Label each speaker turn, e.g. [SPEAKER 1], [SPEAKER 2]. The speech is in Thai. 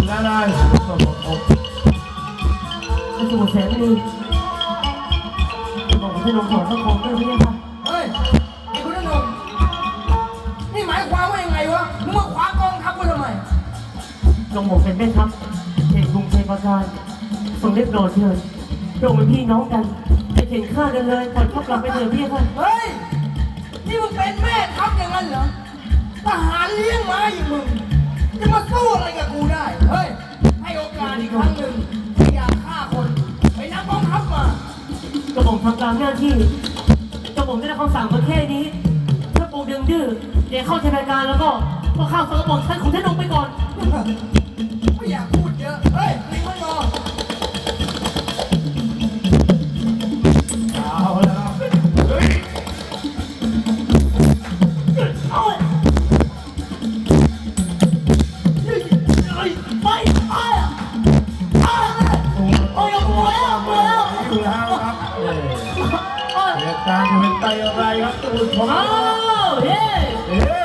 [SPEAKER 1] นานา
[SPEAKER 2] กระสุนแสงดีบอกให้ลงหัวสักคนด้วยพี่ค่ะ
[SPEAKER 3] เฮ้ยไอ้คุณนงนี่หมายความว่ายังไงวะมึงมาขวางกองทัพกูทำไม
[SPEAKER 2] ลงหมกเป็นแม่ทัพเห็นกรุงเทพการทรงเรียบร้อยเถิดเราเป็นพี่น้องกันจะเข็นฆ่ากันเลยปล่อยเขากลับไปเถอะพี่ค่ะ
[SPEAKER 3] เฮ้ยนี่มึงเป็นแม่ทัพอย่างนั้นเหรอทหารเลี้ยงม้าอย่างมึงจะมาสู้อะไรกับกูได้เฮ้ยให้โอกาสอีกครั้งหนึ่งที่อยากฆ่าคนไปนำกองทัพมาก
[SPEAKER 2] ระผมทำตามหน้าที่กระผมได้รับคำสั่งมาแค่นี้ถ้าปูดึงดื้อเดี๋ยวเข้าเทศกาลแล้วก็ข้าวสารกระบอกท่านของท่านลงไปก่อน
[SPEAKER 3] ไม่อยากพูดเยอะเฮ้ยลิงมันงอ
[SPEAKER 1] เอาแล้วเฮ้ย
[SPEAKER 2] เอาไปโอ้ยกลัวแล้วกลัวแล้ว
[SPEAKER 1] อยู่แล้วครับเหตุการณ์จะเป็นไปอะไรครับตูนของ
[SPEAKER 2] อ้าวเฮ้